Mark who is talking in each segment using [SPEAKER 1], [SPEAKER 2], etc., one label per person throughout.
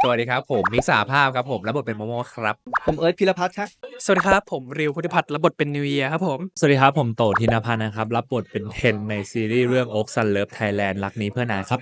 [SPEAKER 1] สวัสดีครับผมมิกซ์สหภาพครับผมรับบทเป็นโมโมครับ
[SPEAKER 2] ผมเอิร์ธพิรพัฒน์ครับ
[SPEAKER 3] สวัสดีครับผมริวพุทธิพัฒน์รับบทเป็นนิวเยียร์ครับผม
[SPEAKER 4] สวัสดีครับผมโตทินพันธ์นะครับรับบทเป็นเทนในซีรีส์เรื่อง Oak Sun Love Thailand รักนี้เพื่อนายครับ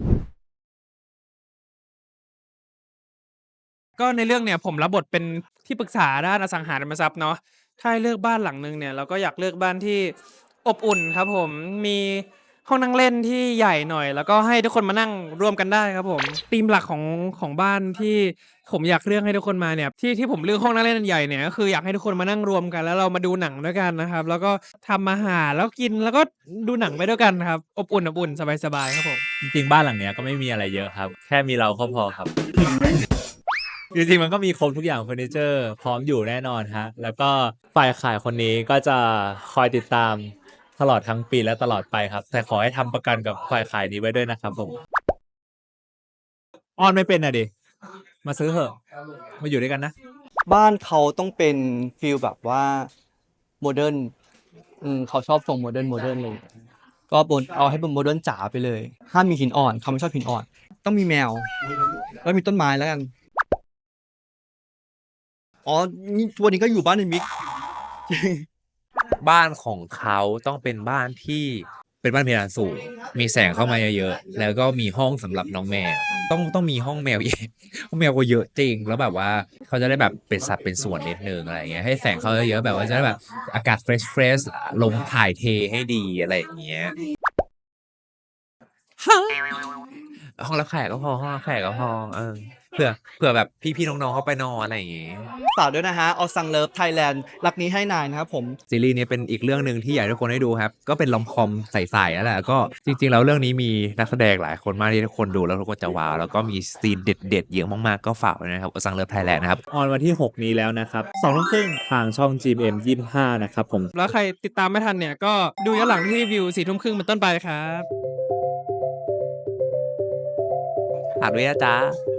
[SPEAKER 3] ก็ในเรื่องเนี่ยผมรับบทเป็นที่ปรึกษาด้านอสังหาริมทรัพย์เนาะถ้าให้เลือกบ้านหลังนึงเนี่ยเราก็อยากเลือกบ้านที่อบอุ่นครับผมมีห้องนั่งเล่นที่ใหญ่หน่อยแล้วก็ให้ทุกคนมานั่งร่วมกันได้ครับผมธีมหลักของบ้านที่ผมอยากเลือกให้ทุกคนมาเนี่ยที่ผมเลือกห้องนั่งเล่นอันใหญ่เนี่ยก็คืออยากให้ทุกคนมานั่งรวมกันแล้วเรามาดูหนังด้วยกันนะครับแล้วก็ทำอาหารแล้วกินแล้วก็ดูหนังไปด้วยกันครับอบอุ่นสบายๆครับผม
[SPEAKER 4] จริงๆบ้านหลังเนี้ยก็ไม่มีอะไรเยอะครับแค่มีเราก็พอครับ จริงๆมันก็มีครบทุกอย่างเฟอร์นิเจอร์พร้อมอยู่แน่นอนฮะแล้วก็ฝ่ายขายคนนี้ก็จะคอยติดตามตลอดทั้งปีและตลอดไปครับแต่ขอให้ทำประกันกับฝ่ายขายนี้ไว้ด้วยนะครับผมออนไม่เป็นอ่ะดิมาซื้อเถอะมาอยู่ด้วยกันนะ
[SPEAKER 2] บ้านเขาต้องเป็นฟิลแบบว่าโมเดิร์นเขาชอบทรงโมเดิร์นเลยก็บนเอาให้เป็นโมเดิร์นจ๋าไปเลยห้ามมีหินอ่อนเขาไม่ชอบหินอ่อนต้องมีแมวแล้วมีต้นไม้แล้วกันอ๋อนี่ตัวนี้ก็อยู่บ้านในมิก
[SPEAKER 1] บ้านของเขาต้องเป็นบ้านที่เป็นบ้านเพดานสูงมีแสงเข้ามาเยอะๆแล้วก็มีห้องสำหรับน้องแมวต้องมีห้องแมวเยอะห้องแมวก็เยอะจริงแล้วแบบว่าเขาจะได้แบบเป็นสัดเป็นส่วนนิดนึงอะไรอย่างเงี้ยให้แสงเขาเยอะๆแบบว่าจะได้แบบอากาศเฟรชลมถ่ายเทให้ดีอะไรอย่างเงี้ยห้องรับแขกก็พอห้องรับแขกก็พอเผื่อแบบพี่ๆน้องๆเขาไปนอนอะไรอย่างเงี้ย
[SPEAKER 2] ฝากด้วยนะฮะเอาซังเลิฟไทยแลนด์รักนี้ให้นายนะครับผม
[SPEAKER 1] ซีรีส์นี้เป็นอีกเรื่องหนึ่งที่อยากให้ทุกคนได้ดูครับก็เป็นลอมคอมใสๆนั่นแหละก็จริงๆแล้วเรื่องนี้มีนักแสดงหลายคนมากที่ทุกคนดูแล้วทุกคนจะว้าวแล้วก็มีซีนเด็ดๆเยอะมากๆก็ฝากไว้นะครับสังเลิฟไทยแลนด์นะครับ
[SPEAKER 4] ออนวันที่ 6 นี้แล้วนะครับ2 ทุ่มครึ่งทางช่อง GMM 25นะครับผม
[SPEAKER 3] แล้วใครติดตามไม่ทันเนี่ยก็ดูย้อนหลังที่วิว4 ทุ่มครึ่งเป็นต้นไปครับ
[SPEAKER 1] ฝากด้วยนะจ๊ะ